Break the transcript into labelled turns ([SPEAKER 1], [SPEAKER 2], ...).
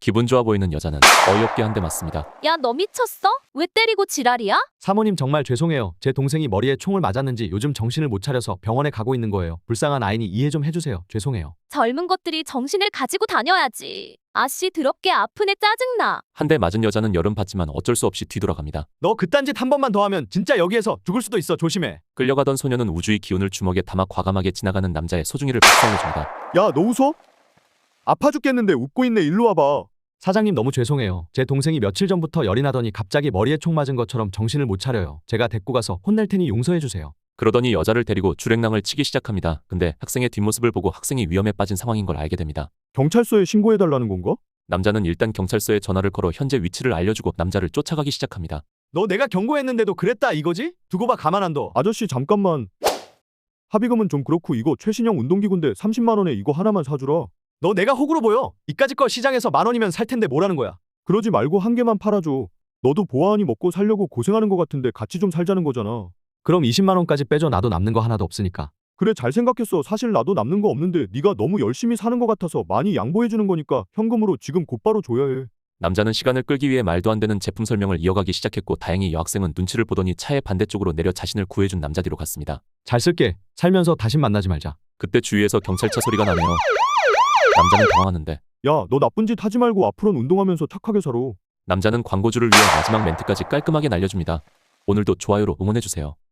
[SPEAKER 1] 기분 좋아 보이는 여자는 어이없게 한 대 맞습니다.
[SPEAKER 2] 야, 너 미쳤어? 왜 때리고 지랄이야?
[SPEAKER 3] 사모님 정말 죄송해요. 제 동생이 머리에 총을 맞았는지 요즘 정신을 못 차려서 병원에 가고 있는 거예요. 불쌍한 아이니 이해 좀 해주세요. 죄송해요.
[SPEAKER 2] 젊은 것들이 정신을 가지고 다녀야지. 아씨 더럽게 아프네 짜증나.
[SPEAKER 1] 한 대 맞은 여자는 열은 받지만 어쩔 수 없이 뒤돌아갑니다.
[SPEAKER 3] 너 그딴 짓 한 번만 더 하면 진짜 여기에서 죽을 수도 있어. 조심해.
[SPEAKER 1] 끌려가던 소녀는 우주의 기운을 주먹에 담아 과감하게 지나가는 남자의 소중이를 박살내줍니다.
[SPEAKER 4] 야, 너 웃어? 아파 죽겠는데 웃고 있네. 일로 와봐.
[SPEAKER 3] 사장님 너무 죄송해요. 제 동생이 며칠 전부터 열이 나더니 갑자기 머리에 총 맞은 것처럼 정신을 못 차려요. 제가 데리고 가서 혼낼 테니 용서해 주세요.
[SPEAKER 1] 그러더니 여자를 데리고 주랭랑을 치기 시작합니다. 근데 학생의 뒷모습을 보고 학생이 위험에 빠진 상황인 걸 알게 됩니다.
[SPEAKER 4] 경찰서에 신고해달라는 건가?
[SPEAKER 1] 남자는 일단 경찰서에 전화를 걸어 현재 위치를 알려주고 남자를 쫓아가기 시작합니다.
[SPEAKER 3] 너 내가 경고했는데도 그랬다 이거지? 두고 봐 가만 안 둬.
[SPEAKER 4] 아저씨 잠깐만. 합의금은 좀 그렇고 이거 최신형 운동기구인데 30만 원에 이거 하나만 사주라.
[SPEAKER 3] 너 내가 호구로 보여? 이까짓 거 시장에서 10,000원이면 살 텐데 뭐라는 거야?
[SPEAKER 4] 그러지 말고 한 개만 팔아줘. 너도 보아하니 먹고 살려고 고생하는 것 같은데 같이 좀 살자는 거잖아.
[SPEAKER 3] 그럼 20만 원까지 빼줘. 나도 남는 거 하나도 없으니까.
[SPEAKER 4] 그래 잘 생각했어. 사실 나도 남는 거 없는데 네가 너무 열심히 사는 것 같아서 많이 양보해주는 거니까 현금으로 지금 곧바로 줘야 해.
[SPEAKER 1] 남자는 시간을 끌기 위해 말도 안 되는 제품 설명을 이어가기 시작했고 다행히 여학생은 눈치를 보더니 차의 반대쪽으로 내려 자신을 구해준 남자 뒤로 갔습니다.
[SPEAKER 3] 잘 쓸게. 살면서 다신 만나지 말자.
[SPEAKER 1] 그때 주위에서 경찰차 소리가 나네요. 남자는 당황하는데
[SPEAKER 4] 야, 너 나쁜 짓 하지 말고 앞으로는 운동하면서 착하게 살아.
[SPEAKER 1] 남자는 광고주를 위해 마지막 멘트까지 깔끔하게 날려줍니다. 오늘도 좋아요로 응원해주세요.